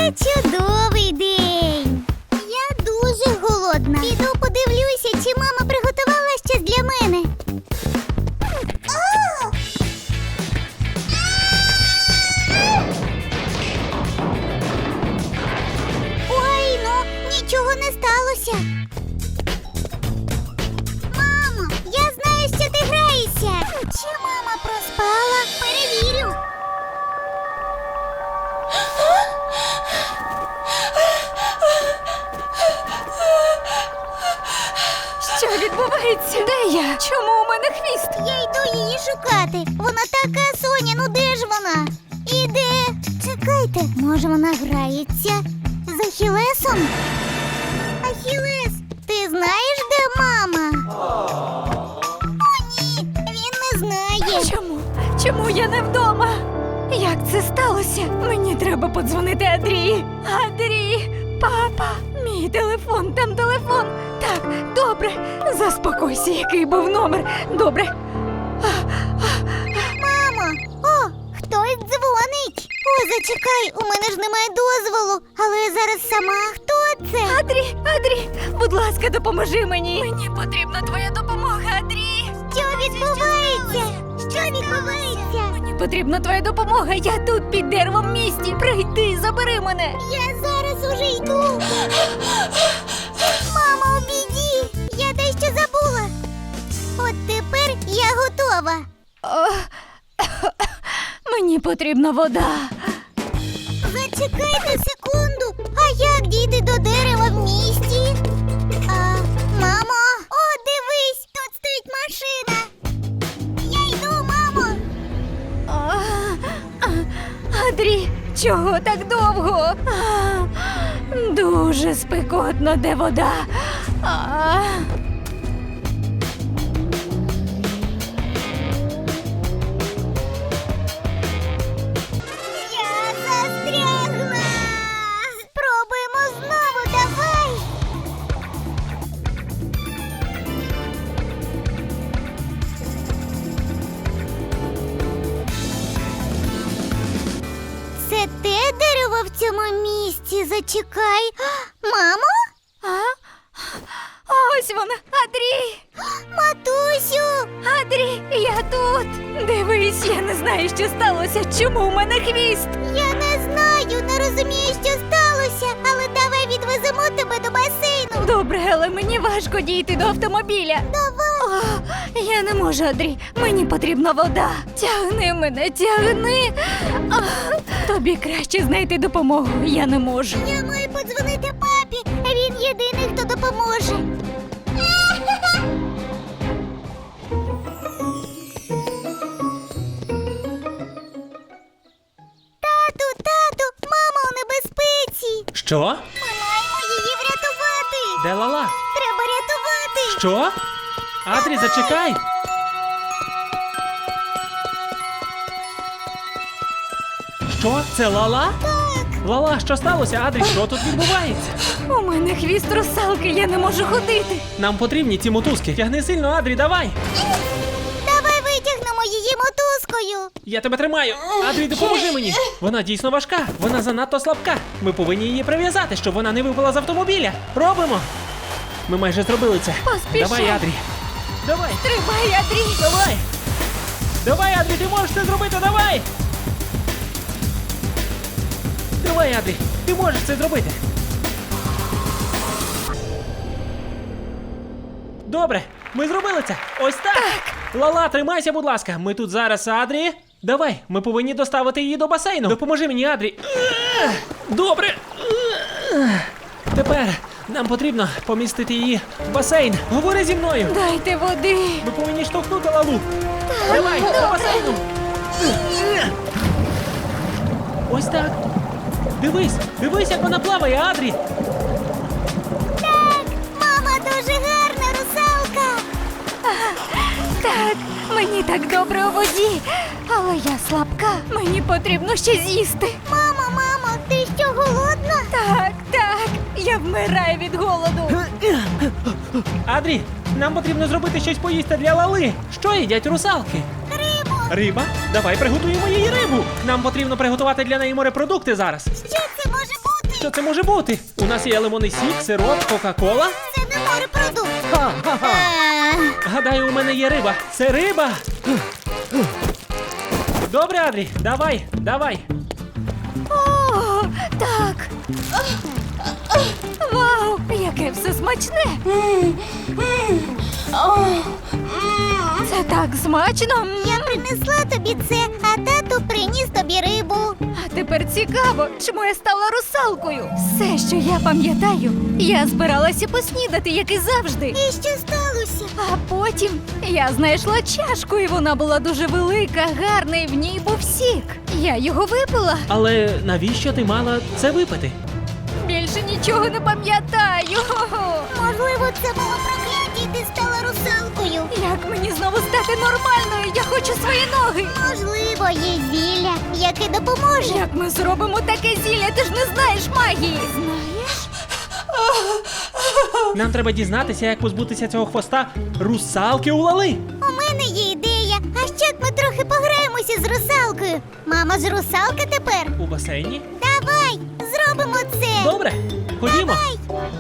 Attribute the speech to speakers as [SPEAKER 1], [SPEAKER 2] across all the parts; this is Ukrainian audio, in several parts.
[SPEAKER 1] Це чудовий день. Я дуже голодна. Піду подивлюся, чи мама приготувала щось для мене. Ой, ну, нічого не сталося. Мамо, я знаю, що ти граєшся. Чи мама проспала? Перевірю.
[SPEAKER 2] Що відбувається? Де я? Чому у мене хвіст?
[SPEAKER 1] Я йду її шукати. Вона така, Соня, ну де ж вона? Іде. Чекайте, може вона грається з Ахілесом? Ахілес, ти знаєш, де мама? О, ні, він не знає.
[SPEAKER 2] Чому? Чому я не вдома? Як це сталося? Мені треба подзвонити Адрії. Адрії, папа, мій телефон, там телефон. Так, добре, заспокойся, який був номер. Добре.
[SPEAKER 1] Мамо, о, хтось дзвонить. О, зачекай, у мене ж немає дозволу. Але я зараз сама. Хто це?
[SPEAKER 2] Адрі, будь ласка, допоможи мені. Мені потрібна твоя допомога, Адрі.
[SPEAKER 1] Що відбувається? Що відбувається?
[SPEAKER 2] Мені потрібна твоя допомога. Я тут під деревом в місті. Прийди, забери мене.
[SPEAKER 1] Я зараз уже йду. Мамо, у біді. Я дещо забула. От тепер я готова.
[SPEAKER 2] Мені потрібна вода.
[SPEAKER 1] Зачекайте секунду. А як дійти до дерева в місті? Мамо, о, дивись, тут стоїть машина. Я йду, мамо.
[SPEAKER 2] Адрі, чого так довго? Дуже спекотно, де вода.
[SPEAKER 1] Я застрягла. Спробуємо знову, давай. Це те дерево в цьому місці. Зачекай. Мамо?
[SPEAKER 2] Ось вона, Адрі!
[SPEAKER 1] Матусю!
[SPEAKER 2] Адрі, я тут! Дивись, я не знаю, що сталося. Чому у мене хвіст?
[SPEAKER 1] Я не знаю, не розумію, що сталося, але давай відвеземо тебе до басейну.
[SPEAKER 2] Добре, але мені важко дійти до автомобіля.
[SPEAKER 1] Давай.
[SPEAKER 2] Я не можу, Адрі. Мені потрібна вода. Тягни мене, тягни. Тобі краще знайти допомогу. Я не можу.
[SPEAKER 1] Я маю подзвонити папі. Він єдиний, хто допоможе. Тату, мама у небезпеці.
[SPEAKER 3] Що?
[SPEAKER 1] Ми маємо її врятувати.
[SPEAKER 3] Де Лала?
[SPEAKER 1] Треба рятувати.
[SPEAKER 3] Що? Адрі, зачекай! Що? Це Лала?
[SPEAKER 1] Так.
[SPEAKER 3] Лала, що сталося? Адрі, що тут відбувається?
[SPEAKER 2] У мене хвіст русалки, я не можу ходити.
[SPEAKER 3] Нам потрібні ці мотузки. Тягни сильно, Адрі, давай!
[SPEAKER 1] Давай витягнемо її мотузкою.
[SPEAKER 3] Я тебе тримаю! Адрі, допоможи мені! Вона дійсно важка, вона занадто слабка. Ми повинні її прив'язати, щоб вона не випала з автомобіля. Робимо! Ми майже зробили це.
[SPEAKER 2] Поспішай.
[SPEAKER 3] Давай, Адрі! Давай!
[SPEAKER 2] Тримай, Адрі.
[SPEAKER 3] Давай! Давай, Адрі, ти можеш це зробити, давай! Давай, Адрі, ти можеш це зробити. Добре, ми зробили це. Ось так. Лала, тримайся, будь ласка. Ми тут зараз, Адрі. Давай, ми повинні доставити її до басейну. Допоможи мені, Адрі. Добре. Тепер нам потрібно помістити її в басейн. Говори зі мною.
[SPEAKER 2] Дайте води.
[SPEAKER 3] Ми повинні штовхнути Лалу. Давай, до басейну. Ось так. Дивись, як вона плаває, Адрі.
[SPEAKER 1] Так, мама дуже гарна русалка.
[SPEAKER 2] Так, мені так добре у воді. Але я слабка. Мені потрібно ще з'їсти.
[SPEAKER 1] Мамо, ти що, голодна?
[SPEAKER 2] Так, я вмираю від голоду.
[SPEAKER 3] Адрі, нам потрібно зробити щось поїсти для Лали. Що їдять русалки?
[SPEAKER 1] Рибу.
[SPEAKER 3] Риба? Давай приготуємо їй рибу. Нам потрібно приготувати для неї морепродукти зараз.
[SPEAKER 1] Що це може бути?
[SPEAKER 3] Що це може бути? У нас є лимонний сік, сироп, кока-кола.
[SPEAKER 1] Це не морепродукт.
[SPEAKER 3] Ха-ха-ха.
[SPEAKER 1] А,
[SPEAKER 3] Гадаю, у мене є риба. Це риба. Добре, Адрі, давай, давай.
[SPEAKER 2] О, так. Вау, яке все смачне. Це так смачно.
[SPEAKER 1] Я принесла тобі це, а тато приніс тобі рибу.
[SPEAKER 2] А тепер цікаво, чому я стала русалкою. Все, що я пам'ятаю, я збиралася поснідати, як і завжди.
[SPEAKER 1] І що сталося?
[SPEAKER 2] А потім я знайшла чашку, і вона була дуже велика, гарна, і в ній був сік. Я його випила.
[SPEAKER 3] Але навіщо ти мала це випити?
[SPEAKER 2] Більше нічого не пам'ятаю.
[SPEAKER 1] Можливо, це було прокляття, і ти стала русалкою.
[SPEAKER 2] Як мені знову стати нормальною? Я хочу свої ноги.
[SPEAKER 1] Можливо, є зілля, яке допоможе.
[SPEAKER 2] Як ми зробимо таке зілля? Ти ж не знаєш магії. Знаєш?
[SPEAKER 3] Нам треба дізнатися, як позбутися цього хвоста русалки у Лали.
[SPEAKER 1] У мене є ідея. А що як ми трохи пограємося з русалкою? Мама ж русалка тепер.
[SPEAKER 3] У басейні?
[SPEAKER 1] Давай, зробимо це.
[SPEAKER 3] Добре, ходімо.
[SPEAKER 1] Давай.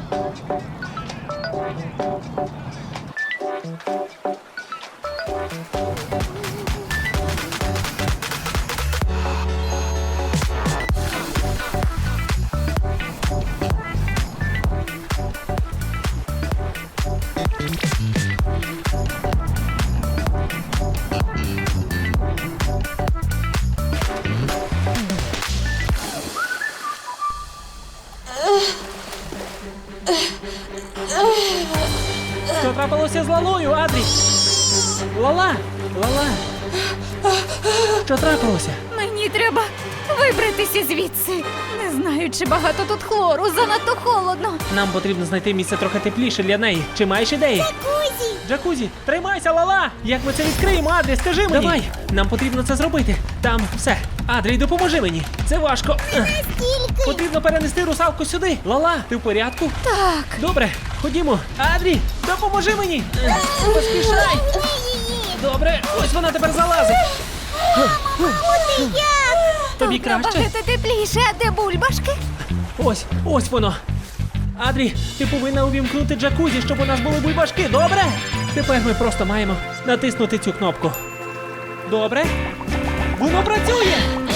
[SPEAKER 3] Що трапилося з Лалою, Адрі? Лала! Лала! Що трапилося?
[SPEAKER 2] Мені треба вибратися звідси. Не знаю, чи багато тут хлору, занадто холодно.
[SPEAKER 3] Нам потрібно знайти місце трохи тепліше для неї. Чи маєш ідеї?
[SPEAKER 1] Кузі,
[SPEAKER 3] Джакузі, тримайся, Лала! Як ми це відкриємо, Адрі, скажи мені! Давай! Нам потрібно це зробити. Там все. Адрі, допоможи мені. Це важко.
[SPEAKER 1] скільки?
[SPEAKER 3] Потрібно перенести русалку сюди. Лала, ти в порядку?
[SPEAKER 2] Так.
[SPEAKER 3] Добре, ходімо. Адрі, допоможи мені. Поспішай.
[SPEAKER 1] Ні, її.
[SPEAKER 3] Добре, ось вона тепер залазить.
[SPEAKER 1] Ти як?
[SPEAKER 3] Тобі
[SPEAKER 2] Тут
[SPEAKER 3] краще?
[SPEAKER 2] набагато тепліше, а де бульбашки?
[SPEAKER 3] Ось воно. Адрі, ти повинна увімкнути джакузі, щоб у нас були бульбашки, добре? Тепер ми просто маємо натиснути цю кнопку. Добре? Воно працює!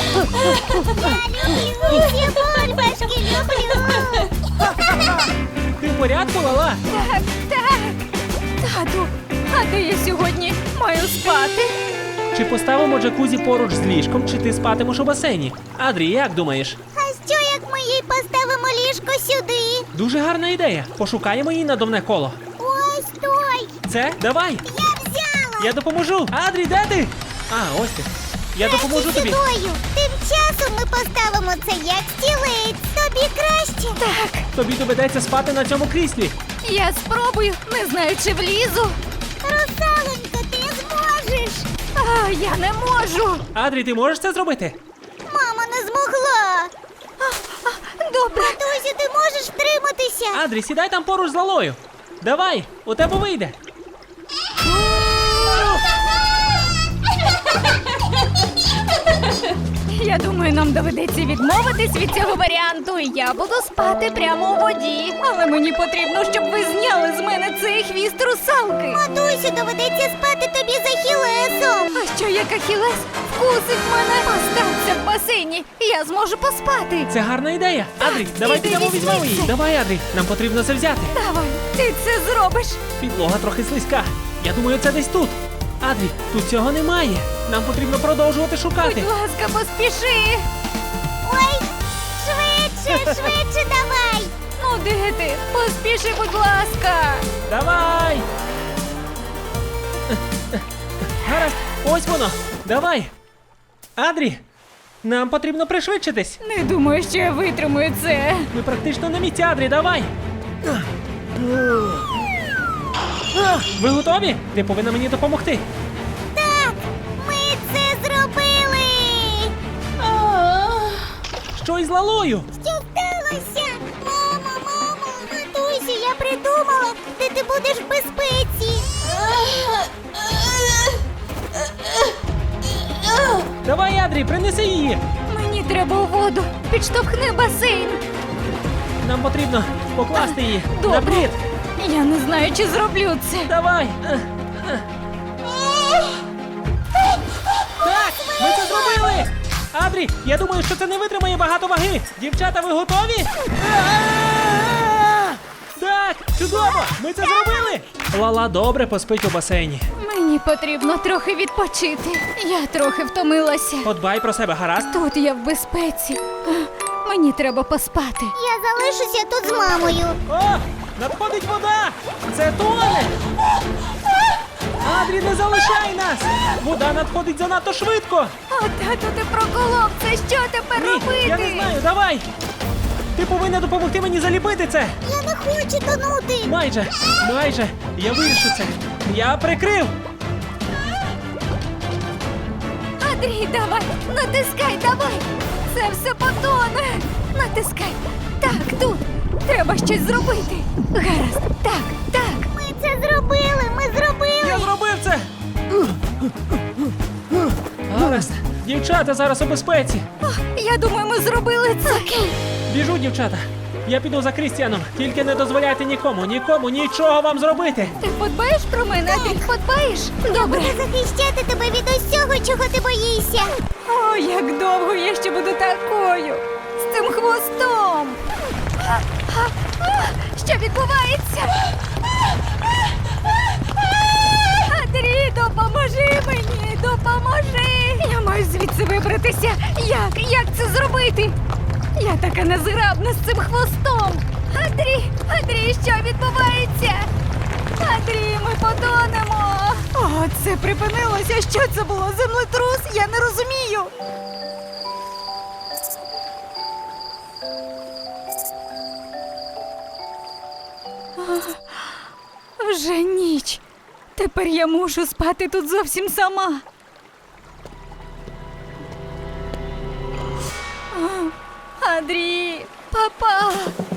[SPEAKER 1] Люблю, бульбашки, люблю.
[SPEAKER 3] Ти в порядку, Лала?
[SPEAKER 2] Так, так. Тату, а де я сьогодні маю спати?
[SPEAKER 3] Чи поставимо джакузі поруч з ліжком, чи ти спатимеш у басейні? Адрі, як думаєш?
[SPEAKER 1] А що як ми їй поставимо ліжко сюди?
[SPEAKER 3] Дуже гарна ідея. Пошукаємо її надувне коло.
[SPEAKER 1] Ось той.
[SPEAKER 3] Це? Давай!
[SPEAKER 1] Я взяла.
[SPEAKER 3] Я допоможу! Адрі, де ти? А, ось ти. Я допоможу тобі.
[SPEAKER 1] Сюдою. Тим часом ми поставимо це як стілець. Тобі краще?
[SPEAKER 2] Так,
[SPEAKER 3] Тобі доведеться спати на цьому кріслі.
[SPEAKER 2] я спробую, не знаю, чи влізу.
[SPEAKER 1] Русалонько, ти зможеш.
[SPEAKER 2] А, я не можу.
[SPEAKER 3] Адрі, ти можеш це зробити?
[SPEAKER 1] Мама не змогла.
[SPEAKER 2] Добре.
[SPEAKER 1] Матусю, ти можеш втриматися?
[SPEAKER 3] Адрі, сідай там поруч з Лалою. Давай, у тебе вийде.
[SPEAKER 2] Я думаю, нам доведеться відмовитись від цього варіанту. І я буду спати прямо у воді. Але мені потрібно, щоб ви зняли з мене цей хвіст русалки.
[SPEAKER 1] Матусю, доведеться спати тобі за Ахілесом.
[SPEAKER 2] А що як Ахілес вкусить мене? Остався в басейні, і я зможу поспати.
[SPEAKER 3] Це гарна ідея. Адрі, давай
[SPEAKER 2] іди
[SPEAKER 3] підемо
[SPEAKER 2] візьми
[SPEAKER 3] візьмемо її.
[SPEAKER 2] це.
[SPEAKER 3] Давай, Адрі, нам потрібно це взяти.
[SPEAKER 2] Давай, ти це зробиш.
[SPEAKER 3] Підлога трохи слизька. Я думаю, це десь тут. Адрі, тут цього немає. Нам потрібно продовжувати шукати.
[SPEAKER 2] Будь ласка, поспіши.
[SPEAKER 1] Ой, швидше давай.
[SPEAKER 2] Ну де ти? Поспіши, будь ласка.
[SPEAKER 3] Давай! Гаразд, ось воно. Давай. Адрі, нам потрібно пришвидшитись.
[SPEAKER 2] Не думаю, що я витримую це.
[SPEAKER 3] Ми практично на місці, Адрі, давай. Ви готові? Ти повинна мені допомогти.
[SPEAKER 1] Так, ми це зробили.
[SPEAKER 3] Що із Лалою?
[SPEAKER 1] Що сталося? Мамо, матусю, я придумала, де ти будеш в безпеці.
[SPEAKER 3] Давай, Адрі, принеси її.
[SPEAKER 2] Мені треба у воду. Підштовхни басейн.
[SPEAKER 3] Нам потрібно покласти її на
[SPEAKER 2] Добре.
[SPEAKER 3] плід.
[SPEAKER 2] Я не знаю, чи зроблю це.
[SPEAKER 3] Давай! Так, ми це зробили! Адрі, я думаю, що це не витримає багато ваги. Дівчата, ви готові? Так, чудово! Ми це зробили! Лала добре поспить у басейні.
[SPEAKER 2] Мені потрібно трохи відпочити. Я трохи втомилася.
[SPEAKER 3] Подбай про себе, гаразд?
[SPEAKER 2] Тут я в безпеці. Мені треба поспати.
[SPEAKER 1] Я залишуся тут з мамою.
[SPEAKER 3] О, надходить вода! Це тоне! Адрі, не залишай нас! Вода надходить занадто швидко!
[SPEAKER 2] О, тату, ти проколов. Це що тепер
[SPEAKER 3] Ні,
[SPEAKER 2] робити?
[SPEAKER 3] я не знаю, давай! Ти повинна допомогти мені заліпити це!
[SPEAKER 1] Я не хочу тонути.
[SPEAKER 3] Майже! Я вирішу це! Я прикрив!
[SPEAKER 2] Андрій, давай, натискай, давай. Це все потоне. Натискай. Так, тут. Треба щось зробити. Гаразд. Так.
[SPEAKER 1] Ми це зробили, ми зробили.
[SPEAKER 3] Я зробив це! Гаразд! Дівчата зараз у безпеці!
[SPEAKER 2] О, я думаю, ми зробили це.
[SPEAKER 3] Біжу, дівчата! Я піду за Крістіаном, тільки не дозволяйте нікому нічого вам зробити!
[SPEAKER 2] Ти подбаєш про мене, Андрій? Подбаєш? Добре.
[SPEAKER 1] Буду захищати тебе від усього, чого ти боїшся.
[SPEAKER 2] О, як довго я ще буду такою. З цим хвостом. Що відбувається? Андрій, допоможи мені, допоможи. Я маю звідси вибратися. Як це зробити? Я така незграбна з цим хвостом. Андрій, що відбувається? Андрій, ми потонемо. О, це припинилося. Що це було? Землетрус? Я не розумію. Вже ніч. Тепер я мушу спати тут зовсім сама. Андрій, папа.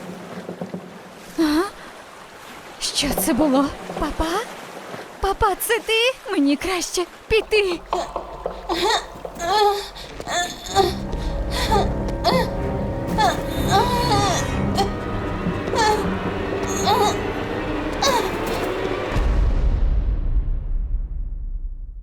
[SPEAKER 2] Що це було? Папа? Папа, це ти? Мені краще піти.